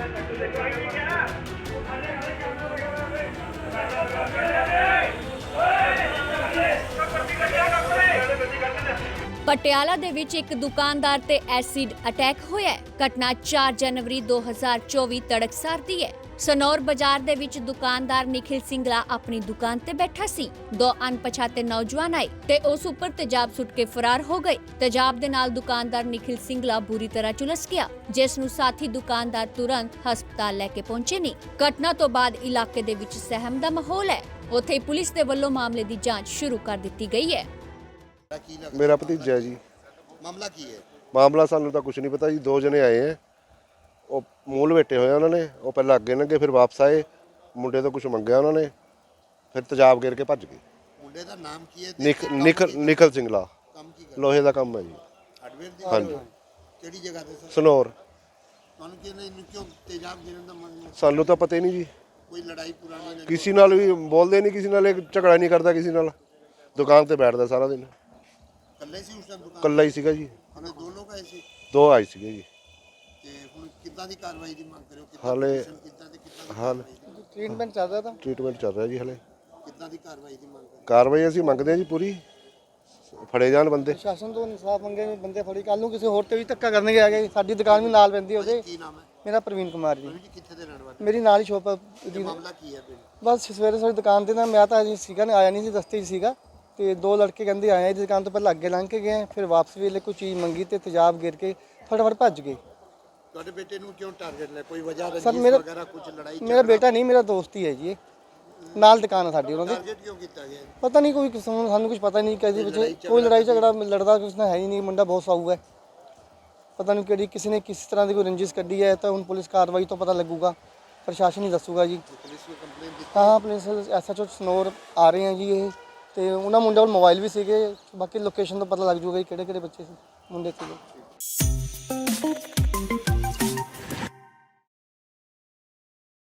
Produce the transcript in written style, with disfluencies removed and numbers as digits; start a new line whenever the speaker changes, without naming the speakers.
ਪਟਿਆਲਾ ਦੇ ਵਿੱਚ ਇੱਕ ਦੁਕਾਨਦਾਰ ਤੇ ਐਸਿਡ ਅਟੈਕ ਹੋਇਆ ਹੈ। ਘਟਨਾ 4 ਜਨਵਰੀ 2024 ਤੜਕਸਾਰ ਦੀ ਹੈ। ਸਨੌਰ ਬਾਜ਼ਾਰ ਦੇ ਵਿੱਚ ਦੁਕਾਨਦਾਰ ਨਿਖਿਲ ਸਿੰਘਲਾ ਆਪਣੀ ਦੁਕਾਨ ਤੇ ਬੈਠਾ ਸੀ। ਦੋ ਅਣਪਛਾਤੇ ਨੌਜਵਾਨ ਆਏ ਤੇ ਉਸ ਉੱਪਰ ਤੇਜ਼ਾਬ ਸੁੱਟ ਕੇ ਫਰਾਰ ਹੋ ਗਏ। ਤੇਜ਼ਾਬ ਦੇ ਨਾਲ ਦੁਕਾਨਦਾਰ ਨਿਖਿਲ ਸਿੰਘਲਾ ਬੁਰੀ ਤਰ੍ਹਾਂ ਝੁਲਸ ਗਿਆ, ਜਿਸ ਨੂੰ ਸਾਥੀ ਦੁਕਾਨਦਾਰ ਤੁਰੰਤ ਹਸਪਤਾਲ ਲੈ ਕੇ ਪਹੁੰਚੇ ਨੇ। ਘਟਨਾ ਤੋਂ ਬਾਅਦ ਇਲਾਕੇ ਦੇ ਵਿੱਚ ਸਹਿਮ ਦਾ ਮਾਹੌਲ ਹੈ। ਉੱਥੇ ਹੀ ਪੁਲਿਸ ਦੇ ਵੱਲੋਂ ਮਾਮਲੇ ਦੀ ਜਾਂਚ ਸ਼ੁਰੂ ਕਰ ਦਿੱਤੀ ਗਈ ਹੈ।
मेरा भतीजा है जी।
मामला की है?
मामला सानू तो कुछ नहीं पता जी। 2 जने आए हैं, वो मूल बैठे हुए उन्होंने, वो पहले अगे लंघे फिर वापस आए, मुंडे तो कुछ मंगया उन्होंने, फिर तेजाब गिर के भज गए।
मुंडे दा नाम की है?
निखिल सिंगला।
काम की कर
लोहे का काम है जी।
हार्डवेयर दी?
हाँ जी।
केड़ी जगह ते सर?
सनौर।
ਤੁਹਾਨੂੰ ਕਿਹਨੇ ਇਹਨੂੰ ਕਿਉਂ ਤੇਜ਼ਾਬ ਗਿਰਨ ਦਾ ਮਨ?
सानू तो पता ही नहीं जी।
ਕੋਈ ਲੜਾਈ ਪੁਰਾਣੀ ਨਹੀਂ?
किसी नाल भी बोलते नहीं, किसी नाल झगड़ा नहीं करता, किसी नाल दुकान ते बैठता सारा दिन।
ਇਕੱਲੇ ਸੀ ਉਸ ਟਾਈਮ ਦੁਕਾਨ?
कल्ला ही सीगा जी।
ਹਲੇ ਦੋ ਲੋਕ ਆਏ ਸੀ
2 आए सीगे जी।
ਤੇ ਹੁਣ ਕਿੱਦਾਂ ਦੀ ਕਾਰਵਾਈ ਦੀ ਮੰਗ ਕਰਿਓ?
ਹਾਲੇ
ਕਿੱਦਾਂ ਦੀ
हाल
ट्रीटमेंट चल रहा था।
ट्रीटमेंट चल रहा है जी। हले
ਕਿੱਦਾਂ ਦੀ ਕਾਰਵਾਈ ਦੀ ਮੰਗ ਕਰਿਓ?
कार्रवाई ਅਸੀਂ ਮੰਗਦੇ ਹਾਂ ਜੀ ਪੂਰੀ, ਫੜੇ ਜਾਣ ਬੰਦੇ।
ਪ੍ਰਸ਼ਾਸਨ ਤੋਂ ਇਨਸਾਫ ਮੰਗੇ ਨੇ, ਬੰਦੇ ਫੜੀ। ਕੱਲ ਨੂੰ ਕਿਸੇ ਹੋਰ ਤੇ ਵੀ ਧੱਕਾ ਕਰਨਗੇ ਆ ਗਏ। ਸਾਡੀ ਦੁਕਾਨ ਵੀ ਨਾਲ ਪੈਂਦੀ ਉਹਦੇ।
ਕੀ ਨਾਮ ਹੈ?
ਮੇਰਾ ਪ੍ਰਵੀਨ ਕੁਮਾਰ ਜੀ।
ਜੀ ਕਿੱਥੇ ਦੇ ਰਹਿਣ ਵਾਲੇ?
ਮੇਰੀ ਨਾਲ ਹੀ ਸ਼ੋਪ
ਇਹ ਮਾਮਲਾ ਕੀ ਹੈ ਪਿੰਡ?
ਬਸ ਸਵੇਰੇ ਸਾਡੀ ਦੁਕਾਨ ਤੇ ਨਾ, ਮੈਂ ਤਾਂ ਅਜੇ ਸੀਗਾ ਨਾ, ਆਇਆ ਨਹੀਂ ਸੀ, ਰਸਤੇ 'ਚ ਸੀਗਾ। ਤੇ 2 ਲੜਕੇ ਕਹਿੰਦੇ ਆਏ ਆ ਇਹਦੀ ਦੁਕਾਨ ਤੋਂ, ਪਹਿਲਾਂ ਅੱਗੇ ਲੰਘ ਕੇ ਗਏ, ਫਿਰ ਵਾਪਸ ਵੇਲੇ ਕੋਈ ਚੀਜ਼ ਮੰਗੀ ਤੇ ਤੇਜ਼ਾਬ ਗਿਰ ਕੇ ਫਟਾਫਟ ਭੱਜ ਗਏ।
ਤੁਹਾਡੇ ਬੇਟੇ ਨੂੰ ਕਿਉਂ ਟਾਰਗੇਟ ਲਿਆ? ਕੋਈ ਵਜ੍ਹਾ
ਸਰ
ਰੰਜਿਸ਼
ਮੇਰਾ
ਵਗੈਰਾ ਕੁਝ ਲੜਾਈ
ਮੇਰਾ ਬੇਟਾ ਨਹੀਂ, ਮੇਰਾ ਦੋਸਤ ਹੀ ਹੈ ਜੀ। ਇਹ ਨਾਲ ਦੁਕਾਨ ਹੈ ਸਾਡੀ ਉਹਨਾਂ ਦੀ।
ਟਾਰਗੇਟ ਕਿਉਂ ਕੀਤਾ ਗਿਆ?
ਪਤਾ ਨਹੀਂ, ਕੋਈ ਸਾਨੂੰ ਕੁਝ ਪਤਾ ਨਹੀਂ ਕਿਹਦੇ ਵਿੱਚ ਕੋਈ ਲੜਾਈ ਝਗੜਾ ਲੜਦਾ ਕੁਛ ਨਾ ਹੈ ਹੀ ਨਹੀਂ। ਮੁੰਡਾ ਬਹੁਤ ਸਾਊ ਹੈ। ਪਤਾ ਨਹੀਂ ਕਿਹੜੀ ਕਿਸੇ ਨੇ ਕਿਸ ਤਰ੍ਹਾਂ ਦੀ ਕੋਈ ਰੰਜਿਸ਼ ਕੱਢੀ ਹੈ, ਤਾਂ ਹੁਣ ਪੁਲਿਸ ਕਾਰਵਾਈ ਤੋਂ ਪਤਾ ਲੱਗੂਗਾ, ਪ੍ਰਸ਼ਾਸਨ ਹੀ ਦੱਸੂਗਾ ਜੀ।
ਪੁਲਿਸ ਨੂੰ ਕੰਪਲੇਂਟ ਦਿੱਤੀ?
ਹਾਂ, ਪੁਲਿਸ SHO ਸਨੌਰ ਆ ਰਹੇ ਆ ਜੀ ਇਹ, ਤੇ ਉਹਨਾਂ ਮੁੰਡਿਆਂ ਕੋਲ ਮੋਬਾਈਲ ਵੀ ਸੀਗੇ। ਬਾਕੀ ਲੋਕੇਸ਼ਨ ਤੋਂ ਪਤਾ ਲੱਗ ਜੂਗਾ ਕਿਹੜੇ ਕਿਹੜੇ ਬੱਚੇ ਸੀ, ਮੁੰਡੇ ਸੀਗੇ।